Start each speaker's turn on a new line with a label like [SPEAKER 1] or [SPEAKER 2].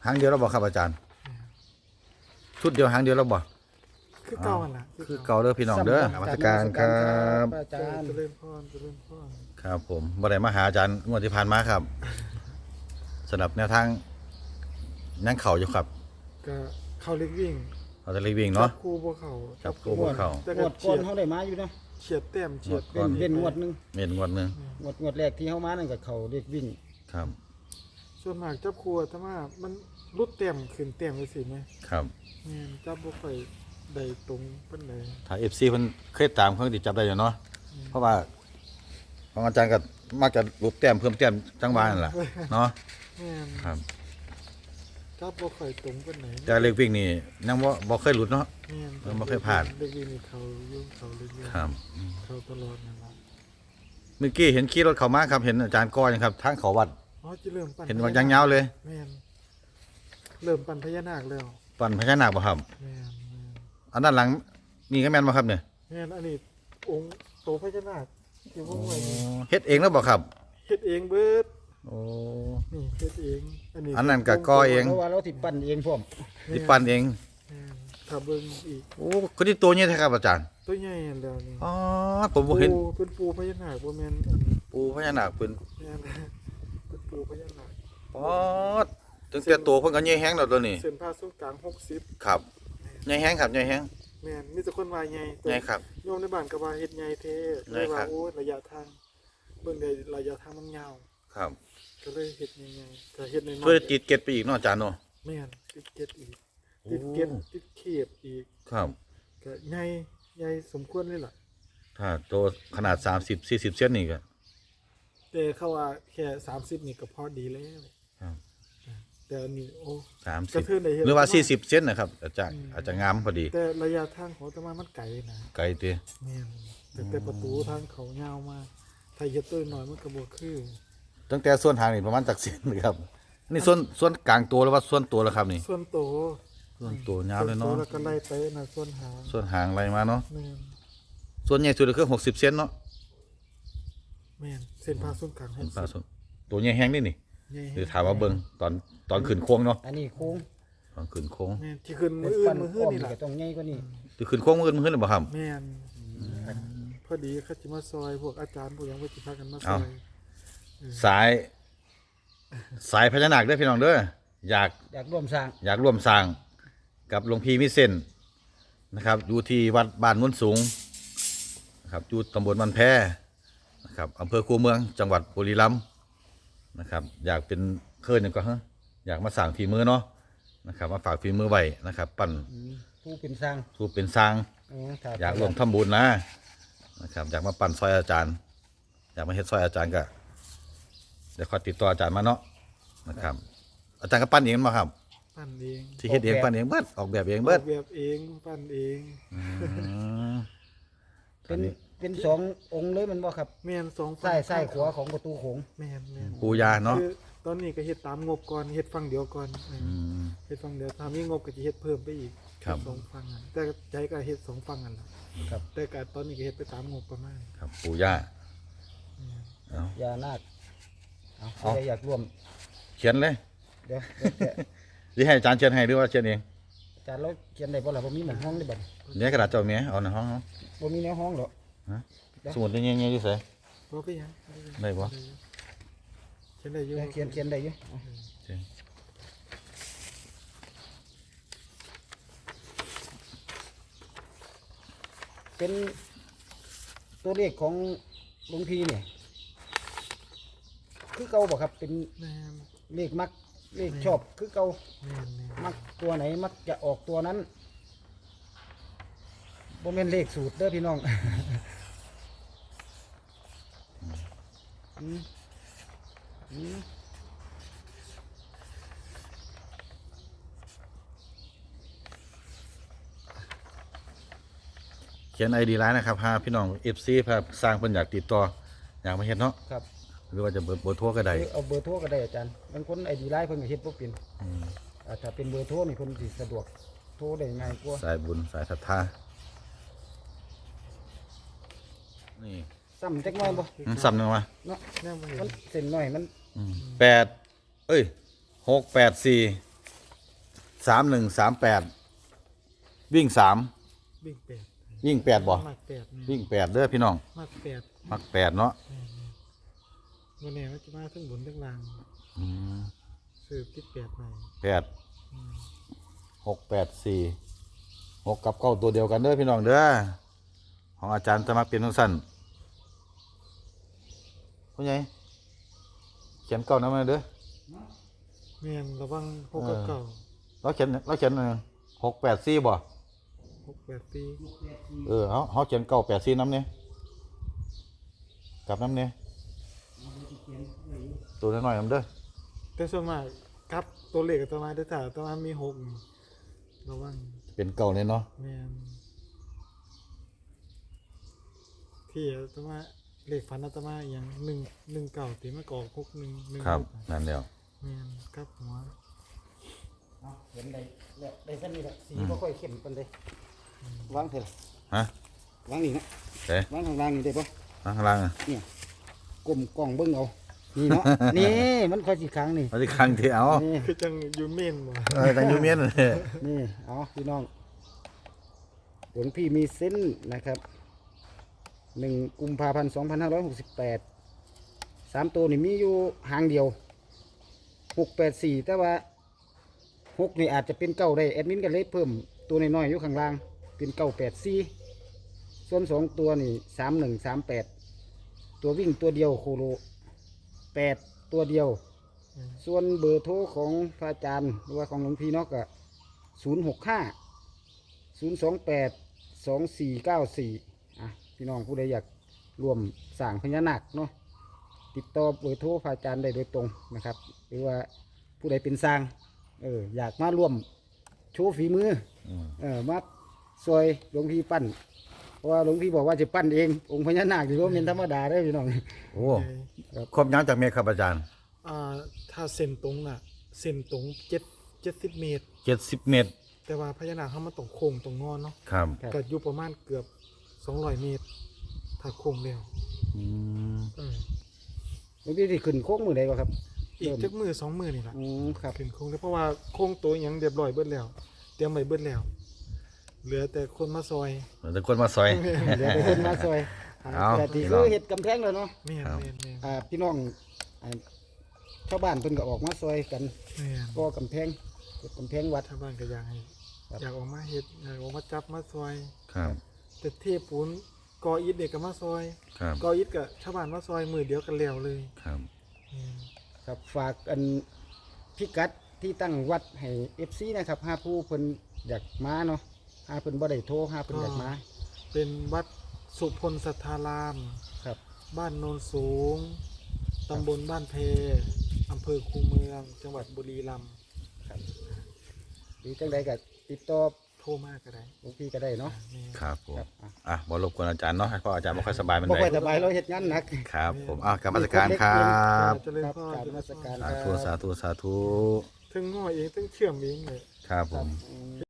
[SPEAKER 1] หางเดียวแล้วบ่ครับอาจารย์ชุดเดียวหางเดียวแล้วบ่
[SPEAKER 2] คือเก่าล่ะ
[SPEAKER 1] คือเก่าเด้อพี่น้องเด้อนมัสการครับ
[SPEAKER 3] อาจารย์
[SPEAKER 2] เจริญพร
[SPEAKER 1] ครับผมบ่ได้มาหาอาจารย์งวดที่ผ่านมาครับสำหรับแนวทางนั่งเข่าอยู่ครับ
[SPEAKER 2] ก็เข้าเล็กวิ่ง
[SPEAKER 1] เราจะรีวิ่งเนาะ
[SPEAKER 2] จับคู่บ่เข้า
[SPEAKER 1] จับคู่บ่เข้า
[SPEAKER 2] แต่
[SPEAKER 3] ง
[SPEAKER 2] ก็
[SPEAKER 3] วดก่อนเขาได้มาอยู่เนาะ
[SPEAKER 2] เฉียดแต้มเฉียด
[SPEAKER 1] ก่อน
[SPEAKER 3] เป็นงวดหนึง
[SPEAKER 1] เม็นงวดหนึง
[SPEAKER 3] งวดแรกที่เขามานั่นก็เขาเด็กวิ่ง
[SPEAKER 1] ครับ
[SPEAKER 2] ส่วนมากจับคู่ถ้าว่ามันรุดแต้มขึ้นแต้มจังซี่แม่
[SPEAKER 1] ครับ
[SPEAKER 2] แม่นจับบ่ค่อยได้ตรงปานใด
[SPEAKER 1] ถ้า FC เพิ่นเคยตามเพิ่นสิจับได้อยู่เนาะเพราะว่าของอาจารย์ก็มักจะรูปแต้มเพิ่มแต้มจังหวะนั่นล่ะเนาะ
[SPEAKER 2] แม่น
[SPEAKER 1] ครับ
[SPEAKER 2] จับบ่ค่อยตรงปานใด
[SPEAKER 1] แต่เลขวิ่งนี่ยังบ่เคยหลุดเนาะ
[SPEAKER 2] แม่น
[SPEAKER 1] เออบ่เคยพลาด
[SPEAKER 2] เล็กวิ่งนี่เขาอยู่เขาเรื่อย
[SPEAKER 1] ครับ
[SPEAKER 2] ๆเขาตลอดนั่นล่ะ
[SPEAKER 1] เมื่อกี้เห็นขี่รถเข้ามาครับเห็นอาจารย์ก้อยครับทางเขาวัด
[SPEAKER 2] อ๋อจะเริ่มปั่น
[SPEAKER 1] เห็นว่ายังยาวเลย
[SPEAKER 2] แม่นเริ่มปั่นพญานาคแล้ว
[SPEAKER 1] ปั่นพญานาคบ่ครับ
[SPEAKER 2] แม่น
[SPEAKER 1] อันด้านหลังนี่ก็แม่นบ่ครับเนี่ย
[SPEAKER 2] แม่นอันนี้องค์โตพญานาคที่ว่าไว้นี่
[SPEAKER 1] เฮ็ดเองแล้วบ่ครับ
[SPEAKER 2] เฮ็ดเองเบิด
[SPEAKER 1] โอ้
[SPEAKER 2] นี่เฮ็ดเอง
[SPEAKER 1] อันนั้นก็ก่อเอง
[SPEAKER 3] เพราะว่าเราติดปั้นเองพร้อม
[SPEAKER 1] ที่ปั่นเอง
[SPEAKER 2] แม่นถ้าเบิ่งอีก
[SPEAKER 1] โอ้คนที่ตัวนี้แท้ครับอาจารย์
[SPEAKER 2] ตัวใหญ่อันแล้วนี่
[SPEAKER 1] อ๋อผมบ่เห็น
[SPEAKER 2] เป็นปูพญานาคบ่แม่น
[SPEAKER 1] ปูพญานาคเพิ่น
[SPEAKER 2] แม่นเป็นปูพญานาค
[SPEAKER 1] อ๋อถึงแต่ตัวเพิ่นก็ใหญ่แฮงแล้วตัวนี้
[SPEAKER 2] เส้นผ่าศูนย์กลาง60
[SPEAKER 1] ครับใหญ่แฮงครับใหญ่แฮง
[SPEAKER 2] แม่นมีแต่คนว่าใหญ่
[SPEAKER 1] ใหญ่ครับ
[SPEAKER 2] โยมในบ้านก็ว่าเฮ็ดใหญ่แท้
[SPEAKER 1] ใหญ่
[SPEAKER 2] เลย
[SPEAKER 1] ครั
[SPEAKER 2] ว่า
[SPEAKER 1] บ
[SPEAKER 2] โอ้ยระยะทางเบิ่งได้ระยะทางมันยาว
[SPEAKER 1] ครับ
[SPEAKER 2] ก็เลยเฮ็ดใหญ่ๆก็เฮ็ดน้อยๆ
[SPEAKER 1] ช่วยติดเกล็ดไปอีกเนาะอาจารย์เนาะ
[SPEAKER 2] แม่นติดเกล็ดอีก
[SPEAKER 1] โอ้
[SPEAKER 2] ติดเกล็ดติดเขียบอีก
[SPEAKER 1] ครับ
[SPEAKER 2] ก็ใหญ่สมควรเลยล่ะ
[SPEAKER 1] ถ้าตัวขนาด30 40เซนนี่ก็
[SPEAKER 2] แต่เขาว่าแค่30นี่ก็พอดีแล้ว
[SPEAKER 1] ครับ
[SPEAKER 2] แต่อันนี้โอ้
[SPEAKER 1] 30
[SPEAKER 2] กระเทือนได้เห็น
[SPEAKER 1] หรือว่า40เซนนะครับอาจจะงามพอดี
[SPEAKER 2] แต่ระยะทางของอาตมามันไกลนะ
[SPEAKER 1] ไกลติ
[SPEAKER 2] แม่นแต่ประตูทางเขายาวมากถ้าเฮ็ดตัวน้อยมันก็บ่คือ
[SPEAKER 1] ตั้งแต่ส่วนหางนี่ประมาณจักเซนเลยครับนี่ส่วนกลางตัวหรือว่าส่วนตัวแล้วครับนี่
[SPEAKER 2] ส่วนโต
[SPEAKER 1] ส่วนตัวยาวเลยเนาะ
[SPEAKER 2] ส่วนโตแล้วก็ไล่ไปนะส่วนหาง
[SPEAKER 1] ส่วนหางอะไรมาเนาะ
[SPEAKER 2] แม่น
[SPEAKER 1] ส่วนใหญ่สุดก็คือ60เซนเนาะ
[SPEAKER 2] แม่นเส้นผ่าศูนย์กลาง
[SPEAKER 1] เห็นปลาส่วนตัวใหญ่แห้งนี่นี่
[SPEAKER 2] ใหญ่
[SPEAKER 1] หรือถามว่าเบิ่งตอนขึ้นโค้งเนาะ
[SPEAKER 3] อันนี้โค้ง
[SPEAKER 1] ตอนขึ้นโค้ง
[SPEAKER 2] แม่นที่ขึ้นมื
[SPEAKER 3] เป็
[SPEAKER 2] อน อื่น
[SPEAKER 3] ปั้น
[SPEAKER 2] มือหื้
[SPEAKER 3] อ้
[SPEAKER 2] อ
[SPEAKER 3] อม
[SPEAKER 2] นี่
[SPEAKER 3] นี่
[SPEAKER 2] ล่ะ
[SPEAKER 3] ก็ต้องใหญ่กว่านี้
[SPEAKER 1] ที่ขึ้นโค้งมื้อหรือเปล่าครับ
[SPEAKER 2] แม่นพอดีเขาสิมาซอยพวกอาจารย์พวกหยังว่าสิพากันมาซ
[SPEAKER 1] เอา
[SPEAKER 2] อย
[SPEAKER 1] สายพญานาคเด้อพี่น้องเด้ออยาก
[SPEAKER 3] อยากร่วมสร้าง
[SPEAKER 1] อยากร่วมสร้างกับหลวงพี่มิเส้นนะครับอยู่ที่วัดบ้านโนนสูงนะครับอยู่ตำบลมันแพนะครับอำเภอคูเมืองจังหวัดบุรีรัมย์นะครับอยากเป็นเคยหนึ่งก็ฮะอยากมาสั่งฝีมือเนาะนะครับมาฝากฝีมือไว้นะครับ ปั่น
[SPEAKER 3] ผู้เป็นสร้าง
[SPEAKER 1] สู้เป็นสร้าง
[SPEAKER 3] ถ้
[SPEAKER 1] อยากร่วมทำบุญนะครับอยากมาปั่นซอยอาจารย์ อยากมาเฮ็ดซอยอาจารย์ก็เดี๋ยวขอติดต่ออาจารย์มาเนาะนะครับ อาจารย์ก็ปั่นเองมาครับ
[SPEAKER 2] ปั้นเอง
[SPEAKER 1] ที่เฮ็ดเองปั่นเองเบิดออกแบบเองเบิด
[SPEAKER 2] ออกแบบเองปั้นเอง
[SPEAKER 3] เป็นเป็นสององค์เลยมันบ่ครับ
[SPEAKER 2] แม่นสอง
[SPEAKER 3] ซ้ายขวาของประตูโขง
[SPEAKER 2] แม่น
[SPEAKER 1] ปูยาเนาะ
[SPEAKER 2] คือตอนนี้ก็เฮ็ดตามงบก่อนเฮ็ดฝั่งเดียวก่อน
[SPEAKER 1] อืม
[SPEAKER 2] เฮ็ดฝั่งเดียวถ้ามีงบก็จะเฮ็ดเพิ่มไปอีก
[SPEAKER 1] ครับ
[SPEAKER 2] สองฝั่งอะแต่ใจก็เฮ็ดสองฝั่งกันล่ะ
[SPEAKER 3] ครับ
[SPEAKER 2] แต่ก็ตอนนี้ก็เฮ็ดไปตามงบประมาณ
[SPEAKER 1] ครับปูย่า
[SPEAKER 2] แม่น
[SPEAKER 1] เอา
[SPEAKER 3] ยานาคเอา
[SPEAKER 1] เอา
[SPEAKER 3] ใครอยากร่วม
[SPEAKER 1] เขียนเลย
[SPEAKER 3] เดี๋ยวแต่
[SPEAKER 1] หรือให้อาจารย์เขียนให้หรือว่าเขียนเอง
[SPEAKER 3] อาจารย์เราเขียนได้บ่ล่ะบ่มีหม้องห้องได้บ่
[SPEAKER 1] เนี่ยกระดาษเจ้าเมียเอาในห้องเนาะ
[SPEAKER 3] บ่มีแนวห้องหรอก
[SPEAKER 1] สมุดเนี่ยๆอยู่ไส
[SPEAKER 2] บ่ไปหยัง
[SPEAKER 1] ได้บ่
[SPEAKER 2] เขียนได้อยู่
[SPEAKER 3] เดี๋ยวเขียนได้อยู่เอาเป็นตัวเลขของหลวงพี่เนี่ยคือเก่าบ่ครับเป็น
[SPEAKER 2] แม่น
[SPEAKER 3] เลขมักเลขชอบคือเก่า
[SPEAKER 2] แม่น
[SPEAKER 3] มักตัวไหนมักจะออกตัวนั้นบ่แม่นเลขสูตรเด้อพี่น้อง อืมอืม
[SPEAKER 1] เขียน ID ไลน์นะครับหาพี่น้อง FC พาสร้างเพิ่นอยากติดต่ออยากมาเฮ็ดเนาะ
[SPEAKER 3] ครับ
[SPEAKER 1] หรือว่าจะเบอร์โทรก็ได้
[SPEAKER 3] เอาเบอร์โทรก็ได้อาจารย์บางคนไอดีไลน์เพิ่นก็เฮ็ดบ่เป็นถ้าเป็นเบอร์โทรนี่เพิ่นสิสะดวกโทรได้ง่ายกว่า
[SPEAKER 1] สายบุญสายศรัทธานี่
[SPEAKER 3] ซ้ำจักหน่อยบ่
[SPEAKER 1] ซ้ำหนึงมา
[SPEAKER 3] เนาะ
[SPEAKER 2] แม่นบ่เห็
[SPEAKER 3] มัน
[SPEAKER 2] น
[SPEAKER 3] เส้นน้อยมัน
[SPEAKER 1] 8เอ้ย684 3138วิ่ง3
[SPEAKER 2] วิ่งแปด
[SPEAKER 1] วิ่ง8บ่
[SPEAKER 2] มักแปดแม่น
[SPEAKER 1] วิ่ง8เด้อพี่น้อง
[SPEAKER 2] มักแปด
[SPEAKER 1] มัก8เนาะ
[SPEAKER 2] วันนี้มันจะมาทั้งบนทั้งล่าง
[SPEAKER 1] อืม
[SPEAKER 2] ซื้อติดแปดใหม่
[SPEAKER 1] 8
[SPEAKER 2] อืม
[SPEAKER 1] 684 6กับ9ตัวเดียวกันเด้อพี่น้องเด้อของอาจารย์จะมักเป็นทั้งสั้นผู้ใหญ่เขียนเก้านำมาเด้อ
[SPEAKER 2] แม่นระวังหกกับเก่า
[SPEAKER 1] เราเขียน684บ่
[SPEAKER 2] 684
[SPEAKER 1] เขาเขียน984นำเนี่ยกลับนำเนี่ยตัวน้อยๆนำเด้อ
[SPEAKER 2] แต่ส่วนมากกับตัวเลขกับตัวมาได้ถ้าตัวมามี6ระวัง
[SPEAKER 1] เป็นเก่าเนี่ยเนาะ
[SPEAKER 2] แม่นที่ตัวมาเลขฝันอาตมาอหย่าง119ที่มากออก61
[SPEAKER 1] ครับ
[SPEAKER 2] 16
[SPEAKER 1] นั่นแล้ว
[SPEAKER 2] แม่นกับหัว
[SPEAKER 3] เอาเห็นได้แล้วได้ซั่นนี่แหละสีบ่ค่อยเข้มปานใดวางเถอะ
[SPEAKER 1] ฮะ
[SPEAKER 3] วางนี่นะ
[SPEAKER 1] เอ๊ะ
[SPEAKER 3] วางข้างล่างนี่ได้ปะ
[SPEAKER 1] ข้างล่างอะ
[SPEAKER 3] ก้มกล้องเบิ่งเอานี่เนาะ นี่มันค่อยสิค้างนี่
[SPEAKER 1] เอาที่ข้างที่เอา
[SPEAKER 3] นี่
[SPEAKER 2] คือจังอยู่เมนบ่
[SPEAKER 1] แต่ยูเมียนเลย
[SPEAKER 3] นี่เอาพี่น้องหลวงพี่มีเส้นนะครับ1 กุมภาพันธ์ 2568 3 ตัวนี่มีอยู่หางเดียว 684 แต่ว่า6นี่อาจจะเป็นเก้าได้แอดมินก็เลยเพิ่มตัวน้อยๆอยู่ข้างล่างเป็น984ส่วน2ตัวนี่3138ตัววิ่งตัวเดียวโคโล8ตัวเดียว ส่วนเบอร์โทรของพระอาจารย์หรือว่าของหลวงพี่เนอกก็065 028 2494พี่น้องผู้ใดอยากร่วมสร้างพญานาคเนาะติดต่อเบอร์โทรพระอาจารย์ได้โดยตรงนะครับ หรือว่าผู้ใดเป็นสร้างอยากมาร่วมโชว์ฝีมือมาซอยหลวงพี่ปั้นเพราะว่าหลวงพี่บอกว่าจะปั้นเององค์พญานาคที่ว่าเป็นธรรมดาได้อพี่น้อง
[SPEAKER 1] โอ้ครบยังจากเมฆครับอาจารย์
[SPEAKER 2] ถ้าเส้นตรงน่ะเส้นตรง70 เมตร
[SPEAKER 1] 70 เมตร
[SPEAKER 2] แต่ว่าพญานาคเขามาตรงโค้งตรงงอนเนาะ
[SPEAKER 1] ครับ
[SPEAKER 3] ครับ
[SPEAKER 2] ก็อยู่ประมาณเกือบ200 เมตร ถ้าโค้งเร็ว
[SPEAKER 1] อืม
[SPEAKER 3] หลวงพี่ที่ขึ้นโค้งมือใดก็ครับ
[SPEAKER 2] อีกจักมือ2 มือนี่ล่ะ
[SPEAKER 3] ครับ
[SPEAKER 2] ขึ้นโค้งแล้วเพราะว่าโค้งตัวหยังเรียบร้อยเบิดแล้ว เตรียมไว้เบิดแล้ว เหลือแต่คนมาซอย
[SPEAKER 1] เราจะคนมาซอย
[SPEAKER 3] เดี๋ยวไปขึ้นมาซอย
[SPEAKER 1] เอา
[SPEAKER 3] แต่ที่คือเห็ดกำแพงแล้วเนาะ
[SPEAKER 2] แม่น
[SPEAKER 1] ครับ
[SPEAKER 2] แม่นแม่น
[SPEAKER 3] พี่น้องชาวบ้านเพิ่นก็ออกมาซอยกัน
[SPEAKER 2] แม่น
[SPEAKER 3] ก็กำแพงเฮ็ดกำแพงวัด
[SPEAKER 2] ชาวบ้านก็อยากให้
[SPEAKER 3] ครับ
[SPEAKER 2] อยากออกมาเฮ็ดอยากออกมาจับมาซอย
[SPEAKER 1] ครับ
[SPEAKER 2] แต่เทปูนกออิฐเด็กก็มาซอย
[SPEAKER 1] ครับ
[SPEAKER 2] กออิฐก็ชาวบ้านมาซอยมือเดียวกันแล้วเลย
[SPEAKER 1] ครับ
[SPEAKER 2] แม่น
[SPEAKER 3] ครับฝากอันพิกัดที่ตั้งวัดให้ FC นะครับหาผู้เพิ่นอยากมาเนาะหาเพิ่นบ่ได้โทรหาเพิ่นอยากมา
[SPEAKER 2] เป็นวัดสุพลสัทธาราม
[SPEAKER 3] ครับ
[SPEAKER 2] บ้านโนนสูง ตำบลบ้านเพอำเภอคูเมือง จังหวัดบุรีรัมย์
[SPEAKER 3] หรือจังใดก็ติดต่อ
[SPEAKER 2] โทรมากก็ได้
[SPEAKER 3] หลวงพี่ก็ได้เนาะ
[SPEAKER 2] แม่
[SPEAKER 1] ครับผม
[SPEAKER 3] ครับ
[SPEAKER 1] อ่ะบ่รบกวนอาจารย์เนาะเพราะอาจารย์ไม่ค่อยสบายมัน
[SPEAKER 3] บ่
[SPEAKER 1] ได้
[SPEAKER 3] ค่อยสบายเราเฮ็ดงานหนัก
[SPEAKER 1] ครับผมกรรมการครับ
[SPEAKER 2] เจริญ
[SPEAKER 3] ครับ
[SPEAKER 2] พร
[SPEAKER 3] กราบนมัสการ
[SPEAKER 1] สาธุสาธุสาธุ
[SPEAKER 2] ถึงง้อเองถึงเชื่อมเองเลย
[SPEAKER 1] ครับผม
[SPEAKER 3] อืม